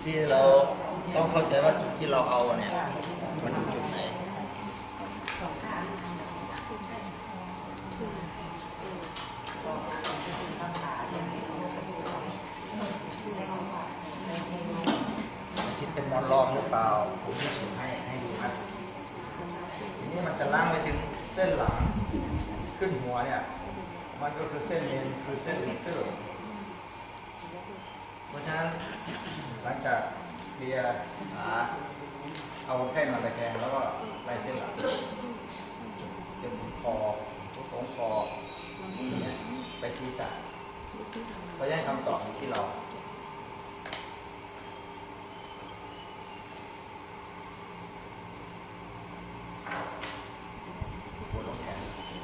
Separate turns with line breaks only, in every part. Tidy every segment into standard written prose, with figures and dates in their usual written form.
ที่เราต้องเข้าใจว่าจุดที่เราเอาเนี่ยมันอยู่จุดไหนคิดเป็นมอนรองหรือเปล่าผมจะสูงให้ดูนะทีนี้มันจะล้างไปถึงเส้นหลังขึ้นหัวเนี่ยมันก็คือเส้นเอ็นคือเส้นเลเซอร์เพราะฉะนั้นหลังจากเคลียร์ขาเอาแค่มาตะแคงแล้วก็ไล่เส้นหลังจนถึงคอตรงคอเนี่ยไปศีรษะเราจะให้คำตอบที่เราปวดลงแขน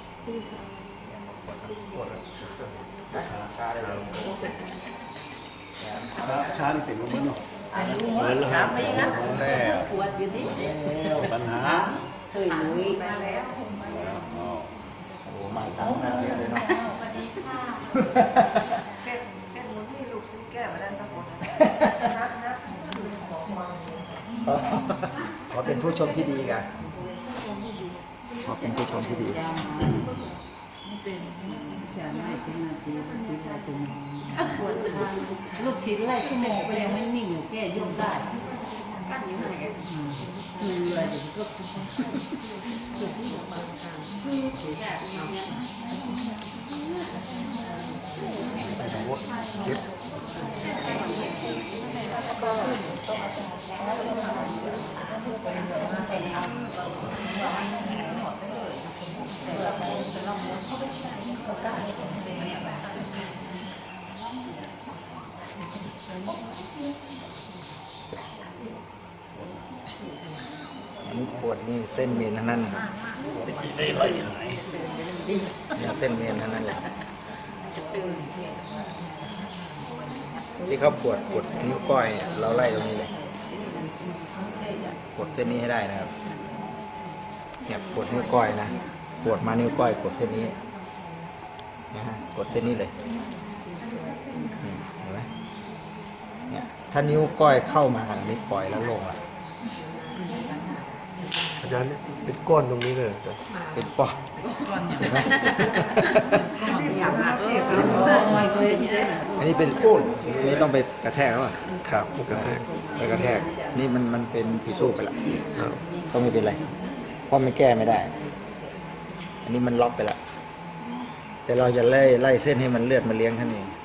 ปวดชาได้เลย
ช้านี่เป็นมันเนาะ
อายุหมดครับไม่งั้นปวดอยู่นี่
ปัญหา
เคยหนุ่ยมาแล้ว
โอ้มาตั้งนานเลยเนาะ
สวัสดีค่ะแค่หนูนี่ลูกซื้อแก้มาได้สักคนนะ
ขอเป็นผู้ชมที่ดีกันขอเป็นผู้ชมที่ดี
จะไม่สินาทีสิบชั่วโมงปวดทางลูกชิ้นไล่ชั่วโมงก็ยังไม่นิ่งอยู่แก้ยกได้กั้นอยู่ไหนคืออะไรเดี๋ยวก็คือที่บางทางคือแบบนี้
ไปทางวัดเก็บอันนี้ปวดนี่เส้นเมนทั้งนั้นครับเนี่ยเส้นเมนทั้งนั้นเลยที่เขาปวดนิ้วก้อยเนี่ยเราไล่ตรงนี้เลยกดเส้นนี้ให้ได้นะครับเนี่ยปวดนิ้วก้อยนะปวดมานิ้วก้อยกดเส้นนี้นะฮะกดเส้นนี้เลยเห็นไหมเนี่ยถ้านิ้วก้อยเข้ามานี่ปล่อยแล้วลงอ่ะ
อาจารย์เป็นก้อนตรงนี้เลย
เป็นปอดเห็นไหมอันนี้เป็นก้นนี่ต้องไปกระแทกเขาอ่ะ
ครับกระแทก
ไปกระแทกนี่มันเป็นผิดรูปไปละก็ไม่เป็นไรเพราะมันแก้ไม่ได้อันนี้มันล็อกไปละแต่เราจะไล่เส้นให้มันเลือดมาเลี้ยงท่านเอง